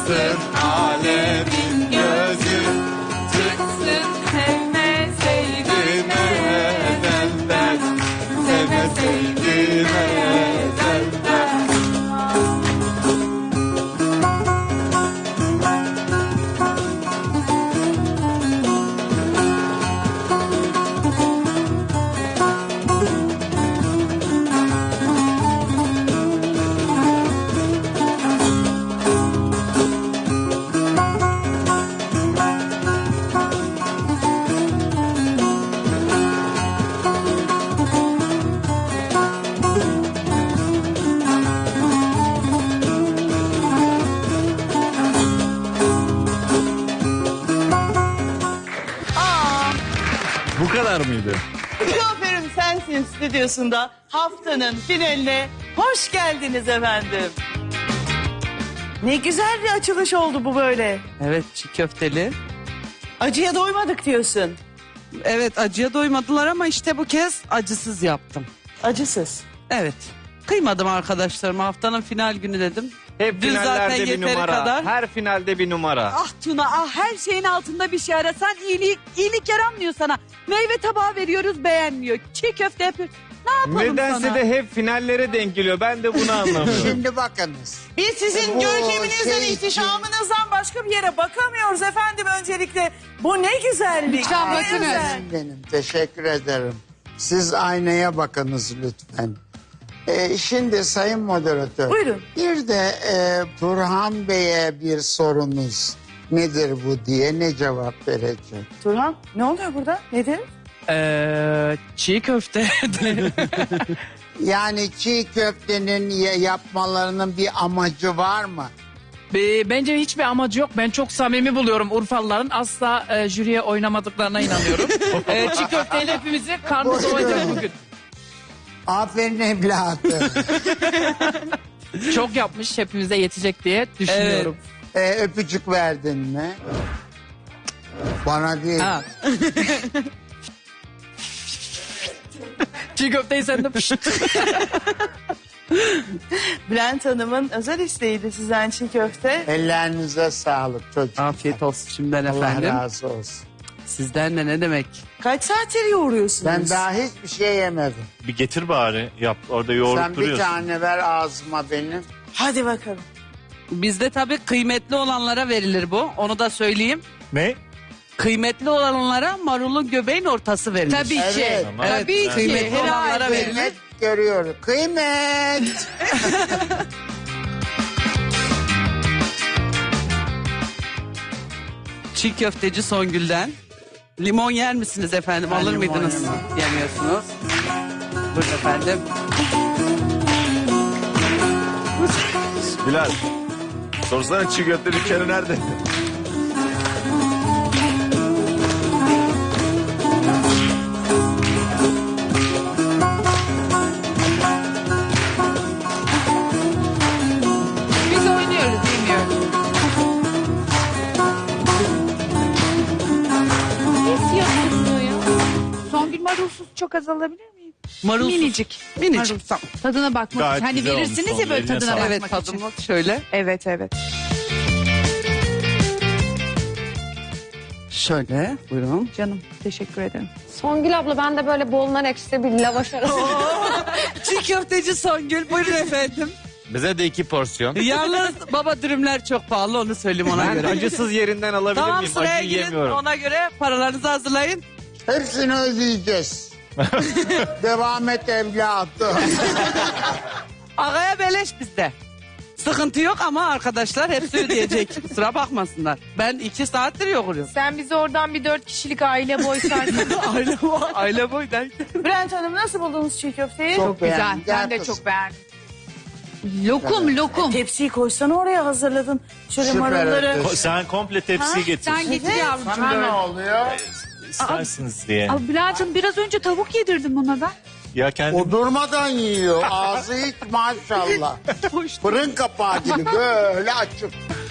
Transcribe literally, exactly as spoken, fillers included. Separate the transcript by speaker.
Speaker 1: Çıksın alemin gözü,
Speaker 2: Çıksın sevmeseydim
Speaker 1: ezelden, sevmeseydim ezelden.
Speaker 3: Bu kadar mıydı?
Speaker 4: Kuaförüm Sensin stüdyosunda haftanın finaline hoş geldiniz efendim. Ne güzel bir açılış oldu bu böyle.
Speaker 5: Evet, çiğ köfteli.
Speaker 4: Acıya doymadık diyorsun.
Speaker 5: Evet, acıya doymadılar ama işte bu kez acısız yaptım.
Speaker 4: Acısız.
Speaker 5: Evet. Kıymadım arkadaşlarıma. Haftanın final günü dedim.
Speaker 3: Hep
Speaker 5: Dün zaten
Speaker 3: finallerde bir
Speaker 5: yeteri
Speaker 3: numara.
Speaker 5: kadar.
Speaker 3: Her finalde bir numara.
Speaker 2: Ah Tuna ah her şeyin altında bir şey arasan iyilik, iyilik yaramıyor sana. Meyve tabağı veriyoruz beğenmiyor. Çiğ köfte yapıyoruz. Ne yapalım
Speaker 3: Nedense
Speaker 2: sana?
Speaker 3: de hep finallere denk geliyor. Ben de bunu anlamıyorum.
Speaker 6: Şimdi bakınız.
Speaker 4: Biz sizin
Speaker 6: Bu
Speaker 4: görkeminizden,
Speaker 6: şey-
Speaker 4: ihtişamınızdan başka bir yere bakamıyoruz efendim öncelikle. Bu ne güzellik.
Speaker 2: Lütfen
Speaker 4: ne
Speaker 2: bakınız.
Speaker 4: özel.
Speaker 6: Benim teşekkür ederim. Siz aynaya bakınız lütfen. Ee, şimdi sayın moderatör.
Speaker 4: Buyurun.
Speaker 6: Bir de e, Turhan Bey'e bir sorunuz nedir bu diye ne cevap verecek?
Speaker 4: Turhan ne oluyor burada? Nedir?
Speaker 5: Ee, çiğ köfte.
Speaker 6: Yani çiğ köftenin ya- yapmalarının bir amacı var mı?
Speaker 7: Be- Bence hiçbir amacı yok. Ben çok samimi buluyorum Urfalıların. Asla e, jüriye oynamadıklarına inanıyorum. e, çiğ köfteyle hepimizi karnı doyacak bugün.
Speaker 6: Aferin evladım.
Speaker 7: Çok yapmış, hepimize yetecek diye düşünüyorum.
Speaker 6: Ee, öpücük verdin mi? Bana değil.
Speaker 7: Ha. Çiğ köfteyi sen de pişt.
Speaker 4: Bülent Hanım'ın özel isteğiydi sizden çiğ köfte.
Speaker 6: Ellerinize sağlık çocuk.
Speaker 5: Afiyet olsun şimdiden
Speaker 6: Allah
Speaker 5: efendim.
Speaker 6: razı olsun.
Speaker 5: Sizden de ne demek?
Speaker 4: Kaç saattir yoğuruyorsunuz?
Speaker 6: Ben daha hiçbir şey yemedim.
Speaker 8: Bir getir bari yap orada yoğurup
Speaker 6: Sen bir
Speaker 8: duruyorsun.
Speaker 6: tane ver ağzıma benim.
Speaker 4: Hadi bakalım.
Speaker 5: Bizde tabii kıymetli olanlara verilir bu. Onu da söyleyeyim.
Speaker 8: Ne?
Speaker 5: Kıymetli olanlara marulun göbeğin ortası verilir.
Speaker 2: Tabii ki.
Speaker 6: Evet.
Speaker 5: Evet,
Speaker 2: Tabii ki.
Speaker 5: kıymetli olanlara
Speaker 2: Herhalde.
Speaker 5: verilir.
Speaker 6: Kıymet görüyorum. Kıymet.
Speaker 5: Çiğ köfteci Songül'den. Limon yer misiniz efendim?
Speaker 6: Ben
Speaker 5: Alır
Speaker 6: limon
Speaker 5: mıydınız?
Speaker 6: yemem.
Speaker 5: Yemiyorsunuz. Buyurun efendim.
Speaker 8: Bilal. Sorsana çiğ köfte dükkanı nerede?
Speaker 2: Biz oynuyoruz bilmiyorum. Niye siyah görünüyor ya? Songül marulsuz çok az alabilir miyim?
Speaker 5: Marulsuz.
Speaker 2: Minicik.
Speaker 5: Minicik.
Speaker 2: Marul.
Speaker 5: Tamam.
Speaker 2: Tadına bakmak
Speaker 8: Gayet
Speaker 2: için. Hani
Speaker 8: güzel olmuş
Speaker 2: verirsiniz ya
Speaker 8: Songül,
Speaker 2: böyle
Speaker 8: eline
Speaker 2: tadına
Speaker 8: sağlık.
Speaker 5: Evet
Speaker 2: bakmak için.
Speaker 5: tadımlık şöyle.
Speaker 2: Evet evet.
Speaker 5: Şöyle buyurun.
Speaker 2: Canım teşekkür ederim.
Speaker 9: Songül abla ben de böyle bollar ekşide bir lavaş arası.
Speaker 5: Çiğ köfteci Songül buyurun efendim.
Speaker 3: Bize de iki porsiyon.
Speaker 5: Yalnız baba dürümler çok pahalı onu söyleyeyim ona
Speaker 3: Ben
Speaker 5: göre.
Speaker 3: acısız yerinden alabilir
Speaker 5: Tamam
Speaker 3: miyim?
Speaker 5: sıraya
Speaker 3: Acıyı
Speaker 5: girin
Speaker 3: yemiyorum.
Speaker 5: ona göre paralarınızı hazırlayın.
Speaker 6: Hepsini ödeyeceğiz. Devam et evladım.
Speaker 5: Ağaya beleş bizde. Sıkıntı yok ama arkadaşlar hepsi ödeyecek. Kusura bakmasınlar. Ben iki saattir yoğuruyorum.
Speaker 9: Sen bize oradan bir dört kişilik aile boy sarsın.
Speaker 5: aile boy, aile boy derken.
Speaker 4: Bülent Hanım nasıl buldunuz çiğ köfteyi?
Speaker 6: Çok
Speaker 2: Güzel.
Speaker 6: beğendim.
Speaker 2: Ben
Speaker 6: Gel
Speaker 2: de
Speaker 6: kızım.
Speaker 2: çok beğendim. Lokum lokum.
Speaker 4: Tepsiyi koysana oraya hazırladın. Şöyle
Speaker 6: Süper
Speaker 4: marulları.
Speaker 6: ötesi.
Speaker 8: Ko- Sen komple tepsiyi getir.
Speaker 2: Sen getir yavrucuğum
Speaker 6: Sana ne
Speaker 2: böyle.
Speaker 6: oluyor?
Speaker 8: İstersiniz diye.
Speaker 2: Abi Bülent'im biraz önce tavuk yedirdim ona da.
Speaker 8: Ya kendi
Speaker 6: O durmadan yiyor. Ağzı hiç maşallah. Fırın kapağı gibi böyle açık.